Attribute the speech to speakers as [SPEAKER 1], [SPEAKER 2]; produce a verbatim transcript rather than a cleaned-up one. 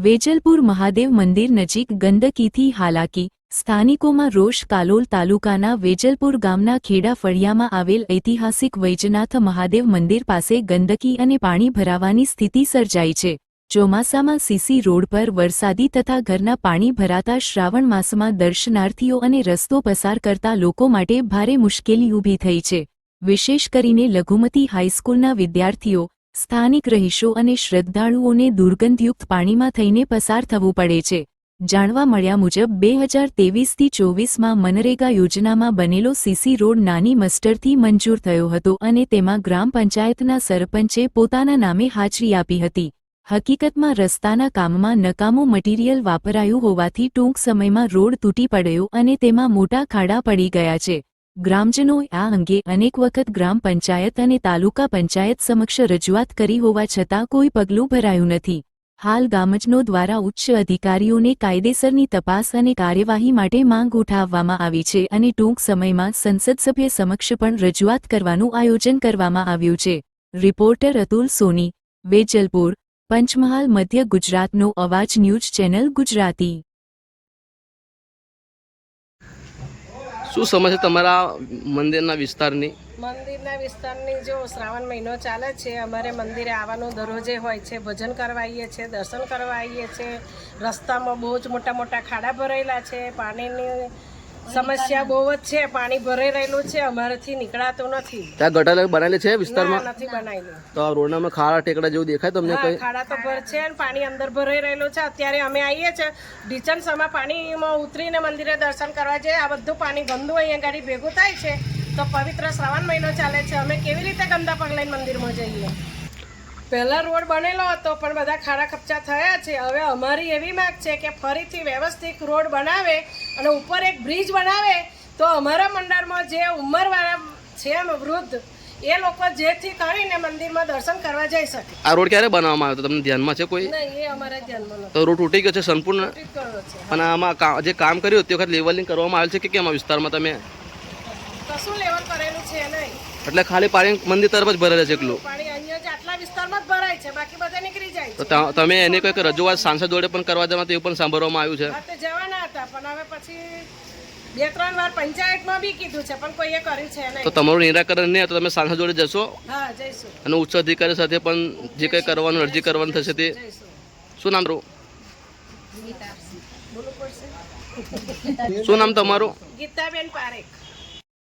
[SPEAKER 1] વેજલપુર મહાદેવ મંદિર નજીક ગંદકીથી હાલાકી, સ્થાનિકોમાં રોષ। કાલોલ તાલુકાના વેજલપુર ગામના ખેડા ફળિયામાં આવેલ ઐતિહાસિક વૈજનાથ મહાદેવ મંદિર પાસે ગંદકી અને પાણી ભરાવાની સ્થિતિ સર્જાઈ છે। ચોમાસામાં સીસી રોડ પર વરસાદી તથા ઘરના પાણી ભરાતા શ્રાવણ માસમાં દર્શનાર્થીઓ અને રસ્તો પસાર કરતા લોકો માટે ભારે મુશ્કેલી ઊભી થઈ છે। વિશેષ કરીને લઘુમતી હાઈસ્કૂલના વિદ્યાર્થીઓ, સ્થાનિક રહીશો અને શ્રદ્ધાળુઓને દુર્ગંધયુક્ત પાણીમાં થઈને પસાર થવું પડે છે। જાણવા મળ્યા મુજબ બે હજાર ત્રેવીસથી ચોવીસમાં મનરેગા યોજનામાં બનેલો સીસી રોડ નાની મસ્ટરથી મંજૂર થયો હતો અને તેમાં ગ્રામ પંચાયતના સરપંચે પોતાના નામે હાજરી આપી હતી। હકીકતમાં રસ્તાના કામમાં નકામું મટીરીયલ વાપરાયું હોવાથી ટૂંક સમયમાં રોડ તૂટી પડ્યો અને તેમાં મોટા ખાડા પડી ગયા છે। ગ્રામજનોએ આ અંગે અનેક વખત ગ્રામ પંચાયત અને તાલુકા પંચાયત સમક્ષ રજૂઆત કરી હોવા છતાં કોઈ પગલું ભરાયું નથી। હાલ ગામજનો દ્વારા ઉચ્ચ અધિકારીઓને કાયદેસરની તપાસ અને કાર્યવાહી માટે માંગ ઉઠાવવામાં આવી છે અને ટૂંક સમયમાં સંસદ સભ્ય સમક્ષ પણ રજૂઆત કરવાનું આયોજન કરવામાં આવ્યું છે। રિપોર્ટર અતુલ સોની, વેજલપુર, પંચમહાલ, મધ્ય ગુજરાતનો અવાજ ન્યૂઝ ચેનલ ગુજરાતી।
[SPEAKER 2] શું સમસ્યા તમારા મંદિરના વિસ્તારની?
[SPEAKER 3] મંદિરના વિસ્તારની જો શ્રાવણ મહિનો ચાલે છે, અમારે મંદિરે આવવાનું દરરોજે હોય છે। ભજન કરવા આવીએ છીએ, દર્શન કરવા આવીએ છીએ। રસ્તામાં બહુ જ મોટા મોટા ખાડા ભરાયેલા છે, પાણીની સમસ્યા બહુ જ છે, પાણી ભરાઈ રહેલું છે, અમારાથી નીકળાતું નથી।
[SPEAKER 2] ત્યાં ગટર બનાવેલી છે વિસ્તારમાં?
[SPEAKER 3] નથી બનાવેલું।
[SPEAKER 2] તો આ રોડમાં ખાડા ટેકડા જેવું દેખાય તમને? કઈ
[SPEAKER 3] ખાડા તો ભર છે અને પાણી અંદર ભરાઈ રહેલું છે। અત્યારે અમે આવીએ છીએ ઢીચણ સમા પાણીમાં ઉતરીને મંદિરે દર્શન કરવા જઈએ, આ બધું પાણી ગંદુ અહીંયા ગાડી ભેગું થાય છે। તો પવિત્ર શ્રાવણ મહિનો ચાલે છે, અમે કેવી રીતે ગંદા પગ લઈને મંદિરમાં જઈએ? પહેલા રોડ બનેલો હતો પણ બધા ખાડા ખપચા થયા છે। હવે અમારી એવી માંગ છે કે ફરીથી વ્યવસ્થિત રોડ બનાવે અને ઉપર એક બ્રિજ બનાવે તો અમારા મંડળમાં જે ઉંમરવાળા છે વૃદ્ધ એ લોકો જેથી કરીને મંદિરમાં દર્શન કરવા જઈ શકે।
[SPEAKER 2] આ રોડ ક્યારે બનાવવામાં આવ્યો તમને ધ્યાનમાં છે કોઈ?
[SPEAKER 3] નહીં, એ અમારા ધ્યાનમાં નથી।
[SPEAKER 2] તો રોડ તૂટી ગયો છે સંપૂર્ણ?
[SPEAKER 3] તૂટી ગયો છે।
[SPEAKER 2] અને આમાં જે કામ કર્યું તે વખત લેવલિંગ કરવામાં આવેલ છે કે કેમ? આ વિસ્તારમાં તમે
[SPEAKER 3] કશું લેવલ કરેલું છે નહીં,
[SPEAKER 2] એટલે ખાલી પાણી મંદિર તરફ જ ભરેલું છે એકલું
[SPEAKER 3] પાણી અહીંયા જ આટલા વિસ્તારમાં જ ભરાય છે, બાકી બધા નીકળી જાય
[SPEAKER 2] તો
[SPEAKER 3] છે।
[SPEAKER 2] તમે એની કોઈક રજૂઆત સાંસદ જોડે પણ કરવા જવા એવું પણ સાંભળવામાં આવ્યું છે?
[SPEAKER 3] હા, તે જવાના હતા પણ હવે પછી બે ત્રણ વાર પંચાયતમાં બી કીધું છે પણ કોઈએ કર્યું છે નહીં।
[SPEAKER 2] તો તમારું નિરાકરણ નહીં તો તમે સાંસદ જોડે જશો?
[SPEAKER 3] હા, જઈશું।
[SPEAKER 2] અને ઉચ્ચ અધિકારી સાથે પણ જે કંઈ કરવાનું અરજી કરવાનું થશે તે શું નામ?
[SPEAKER 3] બોલવું પડશે।
[SPEAKER 2] શું નામ તમારું?
[SPEAKER 3] ગીતાબેન પારેખ।